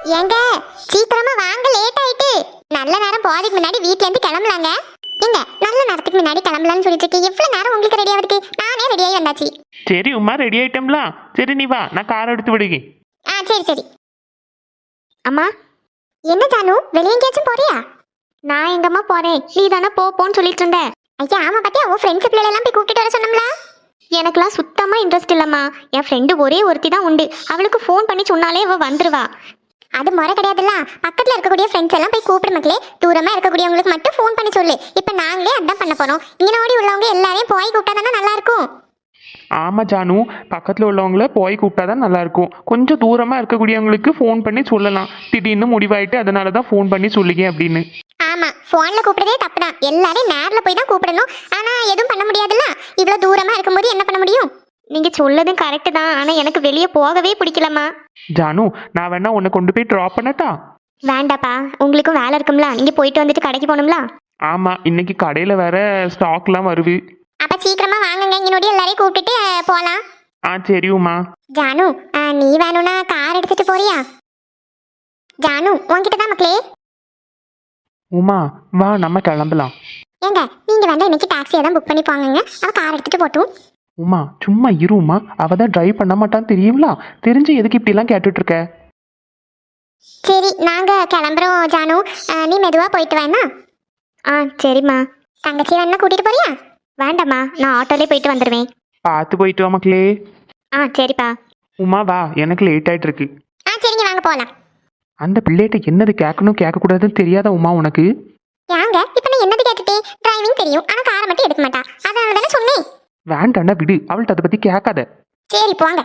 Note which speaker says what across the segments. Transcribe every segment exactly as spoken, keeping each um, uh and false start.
Speaker 1: ஏங்க சீக்கிரமா வாங்க, லேட் ஆயிட்டு. நல்ல நேரம் போறதுக்கு முன்னாடி வீட்ல இருந்து கிளம்பலாங்க. ஏங்க நல்ல நேரத்துக்கு முன்னாடி கிளம்பலாம்னு சொல்லிட்டு இருக்கு. எவ்வளவு நேரம் உங்களுக்கு ரெடியா இருக்கு? நானே ரெடியாகி வந்தாச்சு.
Speaker 2: சரி உமா, ரெடி ஆயிட்டோம்ல. சரி நீ வா, நான் கார் எடுத்து விடுங்க.
Speaker 1: ஆ சரி சரி. அம்மா என்ன ஜானு, வெளியே எங்கேயாச்சும் போறியா? நான் எங்கம்மா போறேன், நீ தானே போ போன்னு சொல்லிட்டு இருந்த. ஐயா ஆமா, பாத்தியா உன் ஃப்ரெண்ட்ஸ் பிள்ளைல எல்லாம் போய் கூப்பிட்டு வர சொன்னோம்ல. எனக்குலாம் சுத்தமா இன்ட்ரெஸ்ட் இல்லம்மா. என் ஃப்ரெண்டு ஒரே ஒருத்தி தான் உண்டு, அவளுக்கு ஃபோன் பண்ணி சொன்னாலே அவ வந்துருவா. அது முறை கிடையாதுல்ல. பக்கத்துல இருக்கக்கூடிய ஃப்ரெண்ட்ஸ் எல்லாம் போய் கூப்பிடு மக்களே. தூரமா இருக்கக்கூடியவங்களுக்கு மட்டும் ஃபோன் பண்ணி சொல்லு. இப்ப நாங்களே அதான் பண்ண போறோம். இங்க ஓடி உள்ளவங்க எல்லாரையும் போய் கூப்பிட்டா தானே நல்லா இருக்கும்.
Speaker 2: ஆமா ஜானு, பக்கத்துல உள்ளவங்கள போய் கூப்பிட்டாதான் நல்லா இருக்கும். கொஞ்சம் தூரமா இருக்கக்கூடியவங்களுக்கு ஃபோன் பண்ணி சொல்லலாம். திடீர்னு முடிவாயிட்டு அதனாலதான் ஃபோன் பண்ணி சொல்லுங்க அப்படின்னு.
Speaker 1: ஆமா, போன்ல கூப்பிடுறதே தப்பு தான். எல்லாரையும் நேர்ல போய் தான் கூப்பிடணும். ஆனா எதுவும் பண்ண முடியாதுல்ல. இவ்வளவு தூரமா இருக்கும்போது என்ன பண்ண முடியும்? நீங்க சொல்லதும் கரெக்ட் தான். ஆனா எனக்கு வெளியே போகவே பிடிக்கலம்மா.
Speaker 2: ஜானு, நான் வேணா உன்னை கொண்டு போய் ட்ராப் பண்ணட்டா?
Speaker 1: வேண்டாப்பா, உங்களுக்கும் வேலை இருக்கும்ல. நீங்க போயிட்டு வந்துட்டு கடைக்கு போகணும்ல.
Speaker 2: ஆமா, இன்னைக்கு கடையில வேற ஸ்டாக்லாம் வருது.
Speaker 1: அப்ப சீக்கிரமா வாங்குங்க, இங்கனோடி எல்லாரையும் கூப்பிட்டுட்டு போலாம்.
Speaker 2: ஆ சரி உமா.
Speaker 1: ஜானு நீ வேணும்னா கார் எடுத்துட்டு போறியா? ஜானு உன்கிட்ட தான் மக்களே.
Speaker 2: உமா வா, நம்ம கிளம்பலாம்.
Speaker 1: ஏங்க நீங்க வேண்டாம், இன்னைக்கு டாக்ஸியை தான் புக் பண்ணி போங்க. அவ கார் எடுத்துட்டு போட்டும்.
Speaker 2: உமா சும்மா இரு உமா, அவ தான் டிரைவ் பண்ண மாட்டான்னு தெரியுங்களா? தெரிஞ்சு எதுக்கு இப்படி எல்லாம் கேட்டுட்டு இருக்க?
Speaker 1: சரி நாங்க கிளம்புறோம் ஜானு. நீ மெதுவா போயிட்டு வேணா. ஆ சரிம்மா. தங்கச்சி வேணா கூட்டிட்டு போறியா? வேண்டாம்மா, நான் ஆட்டோலே போயிட்டு வந்துடுவேன்.
Speaker 2: பார்த்து போயிட்டு வா மக்களே.
Speaker 1: ஆ சரிப்பா.
Speaker 2: உமா வா, எனக்கு லேட் ஆயிட்டு இருக்கு.
Speaker 1: ஆ சரிங்க, வாங்க போகலாம்.
Speaker 2: அந்த பிள்ளைகிட்ட என்னது கேட்கணும் கேட்கக்கூடாதுன்னு தெரியாத உமா உனக்கு?
Speaker 1: யாங்க இப்ப நான் என்னது கேட்டுட்டேன்? டிரைவிங் தெரியும், ஆனா காரை மட்டும் எடுக்க மாட்டா. அதனால தானே சொன்னேன்.
Speaker 2: வேண்டாண்டா விடு, அவள்கிட்ட அதை பத்தி கேட்காத.
Speaker 1: சரி போங்க.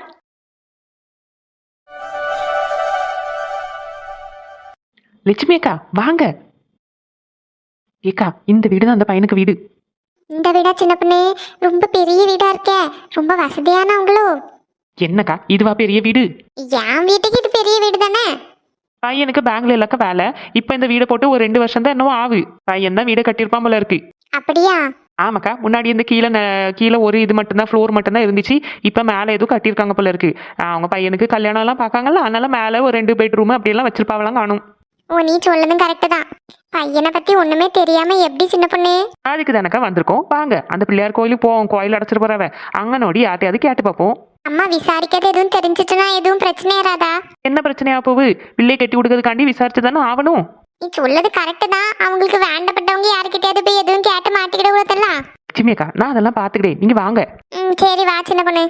Speaker 2: லட்சுமி அக்கா வாங்க. ஏக்கா, இந்த வீடு தான் அந்த பையனுக்கு வீடு.
Speaker 1: இந்த வீடா சின்ன பொண்ணு? ரொம்ப பெரிய வீடா இருக்கே. ரொம்ப வசதியானவங்களோ?
Speaker 2: என்னக்கா இதுவா பெரிய வீடு?
Speaker 1: என் வீட்டுக்கு இது பெரிய வீடு தானே.
Speaker 2: பையனுக்கு பேங்க்ல இல்லக்க வேலை. இப்ப இந்த வீடை போட்டு ஒரு ரெண்டு வருஷம் தான் என்னவோ ஆகு. பையன் தான் வீடை கட்டியிருப்பான் போல இருக்கு.
Speaker 1: அப்படியா?
Speaker 2: ஆமாக்கா, முன்னாடி இந்த கீழே கீழே ஒரு இது மட்டும்தான், ஃப்ளோர் மட்டும்தான் இருந்துச்சு. இப்போ மேலே எதுவும் கட்டியிருக்காங்க போல இருக்கு. அவங்க பையனுக்கு கல்யாணம் எல்லாம் பார்க்காங்கல்ல, அதனால மேலே ஒரு ரெண்டு பெட்ரூம் அப்படியெல்லாம் வச்சிருப்பாங்களாம் காணும்.
Speaker 1: ஓ நீ சொல்லதும் கரெக்டு தான். பையனை பத்தி ஒண்ணுமே தெரியாம எப்படி சின்ன பொண்ணு?
Speaker 2: அதுக்கு தானக்கா வந்திருக்கோம். வாங்க அந்த பிள்ளையார் கோயிலுக்கு போவோம். கோயில் அடைச்சிட்டு போறவ அங்க நோடி யார்ட்டையாவது கேட்டு பார்ப்போம்.
Speaker 1: அம்மா விசாரிக்கிறது எதுவும் தெரிஞ்சிச்சுன்னா எதுவும் பிரச்சனை ஏறாதா?
Speaker 2: என்ன பிரச்சனையா போகுது? பிள்ளை கட்டி கொடுக்கறதுக்காண்டி விசாரிச்சு தானே ஆகணும்.
Speaker 1: நீ சொல்லது கரெக்டு தான். அவங்களுக்கு வேண்டப்பட்டவங்க யாருக்கிட்டயாவது போய் எதுவும் கேட்டு மாட்டிக்கிட கூடாதுல்ல.
Speaker 2: லட்சுமியக்கா, நான் அதெல்லாம் பார்த்துக்கிட்டேன், நீங்க வாங்க.
Speaker 1: ம் சரி வா சின்ன பொண்ணு.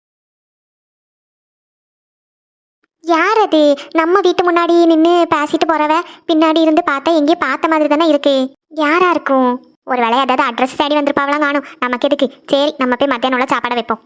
Speaker 1: யார் அது? நம்ம வீட்டு முன்னாடி நின்று பேசிட்டு போறவ பின்னாடி இருந்து பார்த்தா எங்கேயும் பார்த்த மாதிரி தானே இருக்கு. யாரா இருக்கும்? ஒரு வேலையை ஏதாவது அட்ரஸ் தேடி வந்திருப்பாவலாம் காணும். நமக்கு எதுக்கு? சரி நம்ம போய் மத்தியானம் உள்ள சாப்பாடை வைப்போம்.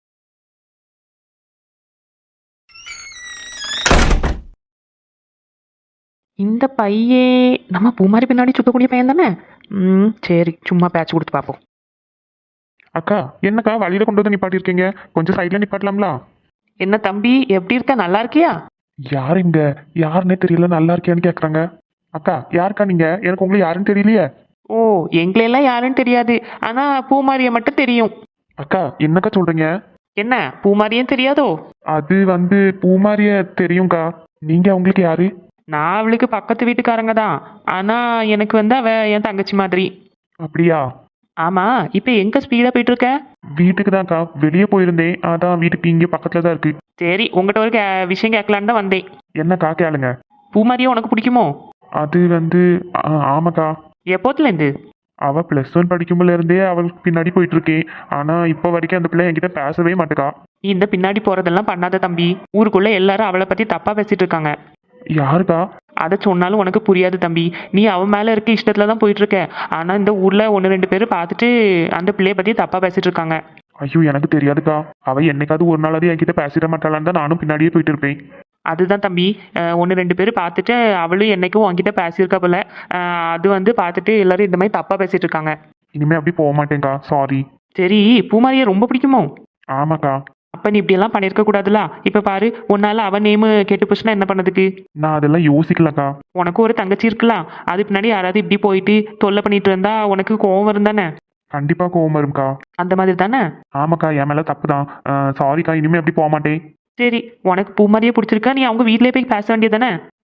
Speaker 2: இந்த பையே நம்ம பூமாரி பின்னாடி சுத்தக்கூடிய பையன் தானே? ம் சரி, சும்மா பேட்ச் கொடுத்து பார்ப்போம்.
Speaker 3: அக்கா என்னக்கா வழியில கொண்டு வந்து நிப்பாட்டிருக்கீங்க? கொஞ்சம் சைட்ல நிப்பாட்டலாம்ல?
Speaker 2: என்ன தம்பி, எப்படி இருக்க? நல்லா இருக்கியா?
Speaker 3: யார் இங்க? யாருன்னே தெரியல, நல்லா இருக்கியான்னு கேக்குறாங்க. அக்கா யாருக்கா நீங்க? எனக்கு உங்களுக்கு யாருன்னு தெரியலையே.
Speaker 2: ஓ, எங்களெல்லாம் யாருன்னு தெரியாது, ஆனா பூமாரியை மட்டும் தெரியும்.
Speaker 3: அக்கா என்னக்கா சொல்றீங்க?
Speaker 2: என்ன பூமாரியும் தெரியாதோ?
Speaker 3: அது வந்து பூமாரிய தெரியும்க்கா. நீங்க அவங்களுக்கு யாரு?
Speaker 2: நான் அவளுக்கு பக்கத்து வீட்டுக்காரங்க தான். ஆனா எனக்கு வந்து அவ என் தங்கச்சி மாதிரி.
Speaker 3: அப்படியா?
Speaker 2: ஆமா, இப்ப எங்க ஸ்பீடா போயிட்டு இருக்க?
Speaker 3: வீட்டுக்கு தான்க்கா, வெளியே போயிருந்தேன். அதான் வீட்டுக்கு இங்க பக்கத்துல தான் இருக்கு.
Speaker 2: சரி, உங்ககிட்ட ஒரு கே- விஷயம் கேட்கலான்னு தான் வந்தேன்.
Speaker 3: என்னக்கா கேளுங்க.
Speaker 2: பூமாரியை உனக்கு பிடிக்குமோ?
Speaker 3: அது வந்து ஆ, ஆமாக்கா.
Speaker 2: எப்போத்துல இருந்து?
Speaker 3: அவ பிளஸ் ஒன் படிக்கும்போல இருந்தே அவளுக்கு பின்னாடி போயிட்டு இருக்கேன். ஆனா இப்போ வரைக்கும் அந்த பிள்ளை என்கிட்ட பேசவே மாட்டேக்கா.
Speaker 2: நீ இந்த பின்னாடி போறதெல்லாம் பண்ணாத தம்பி. ஊருக்குள்ள எல்லாரும் அவளை பத்தி தப்பா பேசிட்டு இருக்காங்க.
Speaker 3: யாருக்கா?
Speaker 2: அதை சொன்னாலும் உனக்கு புரியாது தம்பி. நீ அவன் மேல இருக்க இஷ்டத்துல தான் போயிட்டு இருக்க. ஆனா இந்த ஊர்ல ஒன்று ரெண்டு பேர் பார்த்துட்டு அந்த பிள்ளைய பத்தி தப்பா பேசிட்டு இருக்காங்க.
Speaker 3: ஐயோ எனக்கு தெரியாதுக்கா. அவ என்னைக்காவது ஒரு நாளாவது என்கிட்ட பேசிட மாட்டாளான்னு தான் நானும் பின்னாடியே போயிட்டு இருப்பேன்.
Speaker 2: அதுதான் தம்பி, ஒன்று ரெண்டு பேர் பார்த்துட்டு அவளும் என்னைக்கும் உன்கிட்ட பேசியிருக்கா போல. அஹ் அது வந்து பார்த்துட்டு எல்லாரும் இந்த மாதிரி தப்பா பேசிட்டு இருக்காங்க.
Speaker 3: இனிமே அப்படி போக மாட்டேங்க்கா, சாரி.
Speaker 2: சரி, பூமாரியை ரொம்ப பிடிக்குமோ?
Speaker 3: ஆமாக்கா.
Speaker 2: அப்ப நீ இப்படி எல்லாம் பண்ணிருக்க கூடாதுல. இப்ப பாரு, உன்னால அவன் நேமு கெட்டு போச்சுன்னா என்ன பண்ணதுக்கு?
Speaker 3: நான் அதெல்லாம் யோசிக்கலக்கா.
Speaker 2: உனக்கு ஒரு தங்கச்சி இருக்கலாம். அது பின்னாடி யாராவது இப்படி போயிட்டு தொல்லை பண்ணிட்டு இருந்தா உனக்கு கோவம் வரும் தானே?
Speaker 3: கண்டிப்பா கோவம் வரும்க்கா.
Speaker 2: அந்த மாதிரி தானே?
Speaker 3: ஆமாக்கா, என் மேல தப்பு தான். சாரிக்கா, இனிமே அப்படி போக மாட்டேன்.
Speaker 2: சரி, உனக்கு பூமாரியே பிடிச்சிருக்கா, நீ அவங்க வீட்லயே போய் பேச வேண்டியதானே?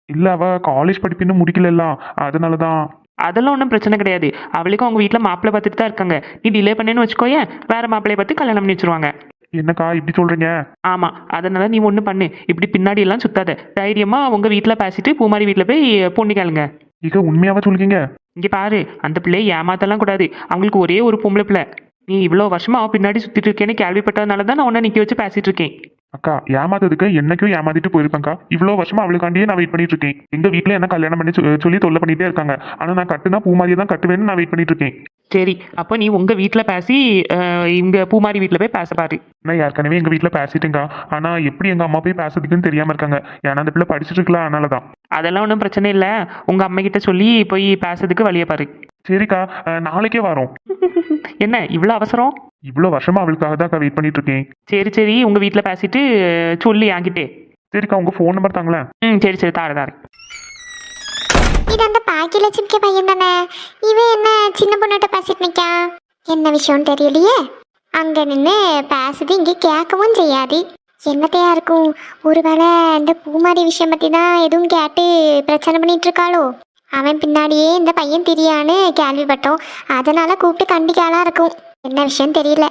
Speaker 3: இல்ல அவ காலேஜ் படிப்பு இன்னும் முடிக்கல, அதனாலதான்.
Speaker 2: அதெல்லாம் ஒன்றும் பிரச்சனை கிடையாது. அவளுக்கும் அவங்க வீட்டில் மாப்பிள்ளை பார்த்துட்டு தான் இருக்காங்க. நீ டிலே பண்ணேன்னு வச்சுக்கோயேன், வேற மாப்பிள்ளைய பார்த்து கல்யாணம் பண்ணி வச்சிருவாங்க.
Speaker 3: என்னக்கா இப்படி சொல்றீங்க?
Speaker 2: ஆமா, அதனால நீ ஒன்று பண்ணு, இப்படி பின்னாடி எல்லாம் சுத்தாத. தைரியமா உங்க வீட்டில் பேசிட்டு பூமாரி வீட்டில் போய் பொண்ணு கேளுங்க.
Speaker 3: இக உண்மையாவா சொல்றீங்க?
Speaker 2: இங்க பாரு, அந்த பிள்ளையை ஏமாத்தலாம் கூடாது. அவங்களுக்கு ஒரே ஒரு பொம்பளை பிள்ளை. நீ இவ்வளோ வருஷமா அவ பின்னாடி சுத்திட்டு இருக்கேன்னு கேள்விப்பட்டதுனால தான் நான் உன்னை நிக்க வச்சு பேசிட்டு இருக்கேன்.
Speaker 3: அக்கா ஏமாத்ததுக்கு என்னைக்கும் ஏமாத்திட்டு போயிருப்பேன்க்கா. இவ்வளோ வருஷமா அவளுக்காண்டியே நான் வெயிட் பண்ணிட்டு இருக்கேன். எங்க வீட்டில் என்ன கல்யாணம் பண்ணி சொ- சொல்லி தொல்லை பண்ணிட்டே இருக்காங்க. ஆனா நான் கட்டுனா பூமாரியை தான் கட்டுவேன்னு நான் வெயிட் பண்ணிட்டு இருக்கேன்.
Speaker 2: சரி, அப்போ நீ உங்க வீட்டில் பேசி அஹ், இங்க பூமாரி வீட்டில் போய் பேச பாரு.
Speaker 3: நான் ஏற்கனவே எங்க வீட்டில் பேசிட்டேங்க்கா. ஆனா எப்படி எங்க அம்மா போய் பேசுறதுக்குன்னு தெரியாம இருக்காங்க. ஏன்னா அந்த பிள்ளை படிச்சுட்டு இருக்கலாம், அதனாலதான்.
Speaker 2: அதெல்லாம் ஒன்றும் பிரச்சனை இல்லை. உங்க அம்மா கிட்ட சொல்லி போய் பேசுறதுக்கு வழியை பாரு.
Speaker 3: சரிக்கா, அஹ், நாளைக்கே வரோம்.
Speaker 2: என்ன இவ்வளோ அவசரம்?
Speaker 3: இவ்வளோ வருஷமா அவளுக்காக தான் வெயிட் பண்ணிட்டு இருக்கேன்.
Speaker 2: சரி சரி, உங்க வீட்டில் பேசிட்டு அஹ், சொல்லி என்கிட்டே.
Speaker 3: சரிக்கா, உங்க ஃபோன் நம்பர் தாங்களேன்.
Speaker 2: ம் சரி சரி, தாரு தாரு.
Speaker 1: இது அந்த பாக்கியலட்சுமிக்கு பையன் தானே? இவன் என்ன சின்ன பொண்ணுகிட்ட பேசிட்டு நிக்கான்? என்ன விஷயம்னு தெரியலையே. அங்க நின்று பேசுது, இங்க கேட்கவும் செய்யாது. என்னத்தையா இருக்கும்? ஒருவேளை இந்த பூமாரி விஷயம் பத்தி தான் எதுவும் கேட்டு பிரச்சனை பண்ணிட்டு இருக்காளோ? அவன் பின்னாடியே இந்த பையன் திரியான்னு கேள்விப்பட்டோம், அதனால கூப்பிட்டு கண்டிக்காளா இருக்கும். என்ன விஷயம் தெரியல.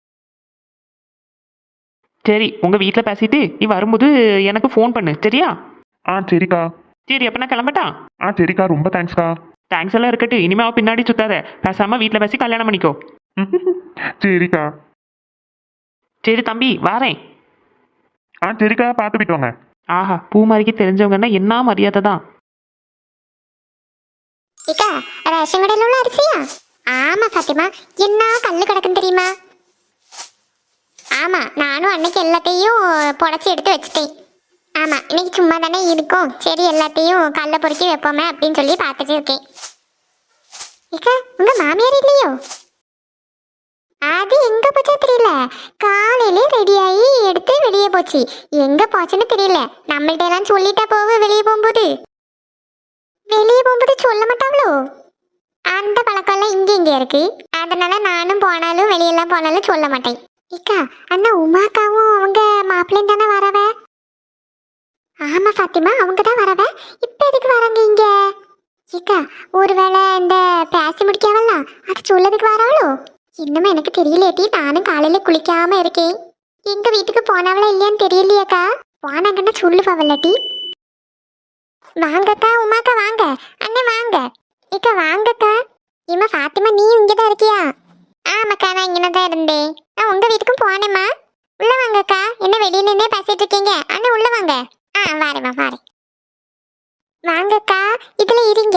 Speaker 2: சரி, உங்க வீட்டில் பேசிட்டு நீ வரும்போது எனக்கு ஃபோன் பண்ணு, சரியா?
Speaker 3: ஆ சரிக்கா.
Speaker 2: சரி, அப்போ நான் கிளம்பட்டா?
Speaker 3: ஆ சரிக்கா, ரொம்ப தேங்க்ஸ்க்கா.
Speaker 2: தேங்க்ஸ் எல்லாம் இருக்கட்டும். இனிமே அவ பின்னாடி சுத்தாத. பேசாம வீட்டில் பேசி கல்யாணம் பண்ணிக்கோ.
Speaker 3: சரிக்கா.
Speaker 2: சரி தம்பி, வாரேன்.
Speaker 3: ஆ சரிக்கா, பார்த்து போயிட்டு வாங்க.
Speaker 2: ஆஹா, பூமாரிக்கு தெரிஞ்சவங்கன்னா என்ன மரியாதை தான்.
Speaker 1: இக்கா, ரேஷன் கடையில் உள்ள அரிசியா? ஆமா பாத்திமா, என்ன கல்லு கிடக்குன்னு தெரியுமா? ஆமா, நானும் அன்னைக்கு எல்லாத்தையும் புடச்சி எடுத்து வச்சுட்டேன். ஆமா, இன்னைக்கு சும்மா தானே இருக்கும், சரி எல்லாத்தையும் கல்ல பொறுக்கி வைப்போமே அப்படின்னு சொல்லி பார்த்துட்டு இருக்கேன். இக்கா, உங்க மாமியார் இல்லையோ? அது எங்க போச்சோ தெரியல. காலையிலே ரெடியாகி எடுத்து வெளியே போச்சு. எங்க போச்சுன்னு தெரியல. நம்மள்ட்ட எல்லாம் சொல்லிட்டா போக வெளியே போகும்போது வெளியே போகும்போது சொல்ல மாட்டாங்களோ? அந்த பழக்கம் எல்லாம் இங்க இங்க இருக்கு. அதனால நானும் போனாலும் வெளியெல்லாம் போனாலும் சொல்ல மாட்டேன். இக்கா, அண்ணா உமாக்காவும் அவங்க மாப்பிள்ளையும் தானே வரவ? ஆமா பாத்திமா, அவங்க தான் வரவ. இப்ப எதுக்கு வராங்க இங்க? இக்கா, ஒருவேளை இந்த பேசி முடிக்காவல்லாம் அது சொல்லதுக்கு வரவளோ? இன்னும் எனக்கு தெரியலையாட்டி. நானும் காலையில குளிக்காம இருக்கேன். எங்க வீட்டுக்கு போனவளா இல்லையான்னு தெரியலையாக்கா. போனாங்கன்னா சொல்லுவாவல்லாட்டி. வாங்கக்கா, உமாக்கா வாங்க. அண்ணே வாங்க. இக்கா வாங்கக்கா. இம்மா ஃபாத்திமா, நீ இங்கதான் இருக்கியா? ஆமாக்கா, நான் இங்கே தான் இருந்தேன். நான் உங்க வீட்டுக்கும் போனேம்மா. உள்ள வாங்கக்கா. என்ன வெளியே நின்னே பேசிட்டு இருக்கீங்க? அண்ணே உள்ள வாங்க. ஆ வாரேம்மா, வாரேன். வாங்கக்கா, இதுல இருங்க.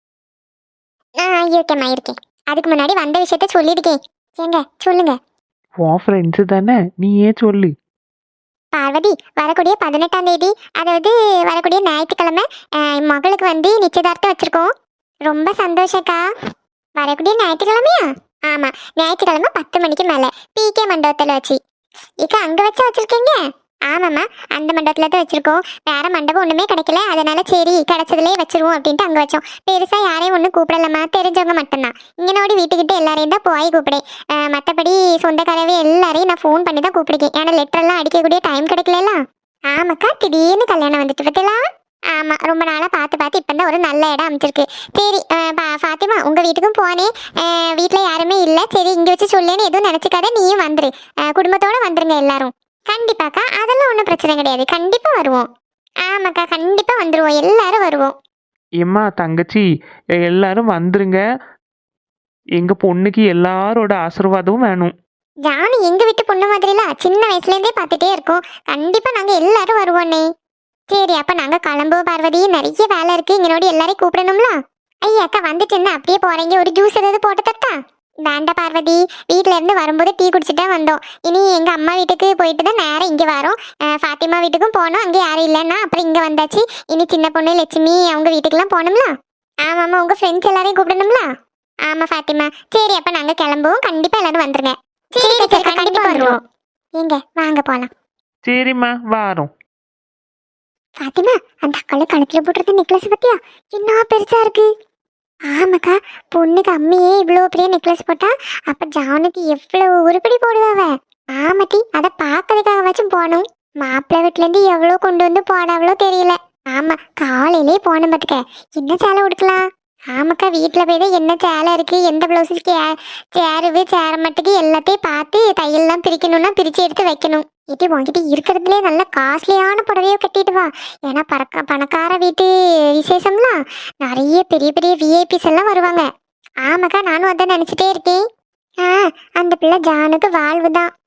Speaker 1: ஆ இருக்கேம்மா, இருக்கேன். அதுக்கு முன்னாடி வந்த விஷயத்த சொல்லியிருக்கேன். ஏங்க சொல்லுங்க.
Speaker 2: உன் ஃப்ரெண்ட்ஸு தானே, நீ ஏன் சொல்லு.
Speaker 1: பார்வதி, வரக்கூடிய பதினெட்டாம் தேதி, அதாவது வரக்கூடிய ஞாயிற்றுக்கிழமை என் மகளுக்கு வந்து நிச்சயதார்த்தம் வச்சிருக்கோம். ரொம்ப சந்தோஷக்கா. வரக்கூடிய ஞாயிற்றுக்கிழமையா? ஆமா, ஞாயிற்றுக்கிழமை பத்து மணிக்கு மேல பிகே மண்டபத்துல வச்சு. இக்கா, அங்க வச்சா வச்சிருக்கீங்க? ஆமாம்மா, அந்த மண்டபத்துல தான் வச்சிருக்கோம். வேற மண்டபம் ஒண்ணுமே கிடைக்கல, அதனால சரி கிடைச்சதுலயே வச்சிருவோம் அப்படின்ட்டு அங்க வச்சோம். பெருசா யாரையும் ஒன்றும் கூப்பிடலாமா, தெரிஞ்சவங்க மட்டும்தான். இங்கனோடி வீட்டுக்கிட்ட எல்லாரையும் தான் போய் கூப்பிடேன். மற்றபடி சொந்தக்காரவே எல்லாரையும் நான் ஃபோன் பண்ணி தான் கூப்பிடுக்கேன். ஏன்னா லெட்டர் எல்லாம் அடிக்கக்கூடிய டைம் கிடைக்கல. ஆமாக்கா, திடீர்னு கல்யாணம் வந்துட்டு பத்திலாம். ஆமா, ரொம்ப நாளா பார்த்து பார்த்து இப்போ தான் ஒரு நல்ல இடம் அமைச்சிருக்கு. சரி ஃபாத்திமா, உங்க வீட்டுக்கும் போனேன். வீட்டில் யாருமே இல்லை, சரி இங்கே வச்சு சொல்லேன்னு எதுவும் நினச்சிக்காத, நீயும் வந்துரு. குடும்பத்தோட வந்துருங்க எல்லாரும். கண்டிப்பாக்கா, அதெல்லாம் ஒன்றும் பிரச்சனை கிடையாது. கண்டிப்பா வருவோம். ஆமாக்கா, கண்டிப்பா வந்துருவோம், எல்லாரும் வருவோம்.
Speaker 2: ஏம்மா தங்கச்சி, எல்லாரும் வந்துருங்க. எங்க பொண்ணுக்கு எல்லாரோட ஆசீர்வாதமும் வேணும்.
Speaker 1: ஜானு எங்க வீட்டு பொண்ணு மாதிரிலாம் சின்ன வயசுல இருந்தே பார்த்துட்டே இருக்கோம். கண்டிப்பா நாங்க எல்லாரும் வருவோன்னே. சரி, அப்ப நாங்க கிளம்புவோம் பார்வதி. நிறைய வேலை இருக்கு, இங்கனோடி எல்லாரையும் கூப்பிடணும்ல. ஐயா அக்கா, வந்துட்டு என்ன அப்படியே போறீங்க? ஒரு ஜூஸ் ஏதாவது போட்டு தட்டா? வேண்டாம் பார்வதி, வீட்டுல இருந்து வரும்போது டீ குடிச்சுட்டா வந்தோம். இனி எங்க அம்மா வீட்டுக்கு போயிட்டு தான் நேரம் இங்க வரோம். ஃபாத்திமா வீட்டுக்கும் போனோம், அங்கே யாரும் இல்லைன்னா அப்புறம் இங்க வந்தாச்சு. இனி சின்ன பொண்ணு லட்சுமி அவங்க வீட்டுக்கெல்லாம் போகணும்ல. ஆமாம்மா, உங்க ஃப்ரெண்ட்ஸ் எல்லாரையும் கூப்பிடணும்ல. ஆமா ஃபாத்திமா. சரி, அப்ப நாங்க கிளம்புவோம். கண்டிப்பா எல்லாரும் வந்துருங்க. சரி டீச்சர், கண்டிப்பா வருவோம். எங்க வாங்க போலாம்.
Speaker 2: சரிம்மா, வாரோம்.
Speaker 1: ஃபாத்திமா, அந்த அக்கால கழுத்துல போட்டுருக்க நெக்லஸ் பத்தியா? என்ன பெருசா இருக்கு. ஆமாக்கா, பொண்ணுக்கு அம்மையே இவ்வளோ பெரிய நெக்லஸ் போட்டா அப்ப ஜானுக்கு எவ்வளவு உருப்படி போடுவாவ. ஆமாட்டி, அதை பார்க்கறதுக்காக வச்சும் போகணும். மாப்பிள்ளை வீட்டுல இருந்து எவ்வளோ கொண்டு வந்து போடாவளோ தெரியல. ஆமா காலையிலே போன பாத்துக்க என்ன சேலை உடுக்கலாம். ஆமாக்கா வீட்டுல போய் தான் என்ன சேலை இருக்கு எந்த பிளவுஸ் சேருவு சேர மட்டுக்கு எல்லாத்தையும் பார்த்து தையல்லாம் பிரிக்கணும்னா பிரிச்சு எடுத்து வைக்கணும். இது உங்ககிட்ட இருக்கிறதுலே நல்ல காஸ்ட்லியான புடவையோ கட்டிட்டு வா. ஏன்னா பறக்க பணக்கார வீட்டு விசேஷம்லாம் நிறைய பெரிய பெரிய விஐபிஸ் எல்லாம் வருவாங்க. ஆமாக்கா நானும் அதான் நினைச்சிட்டே இருக்கேன். ஆ அந்த பிள்ளை ஜானுக்கு வாழ்வு தான்.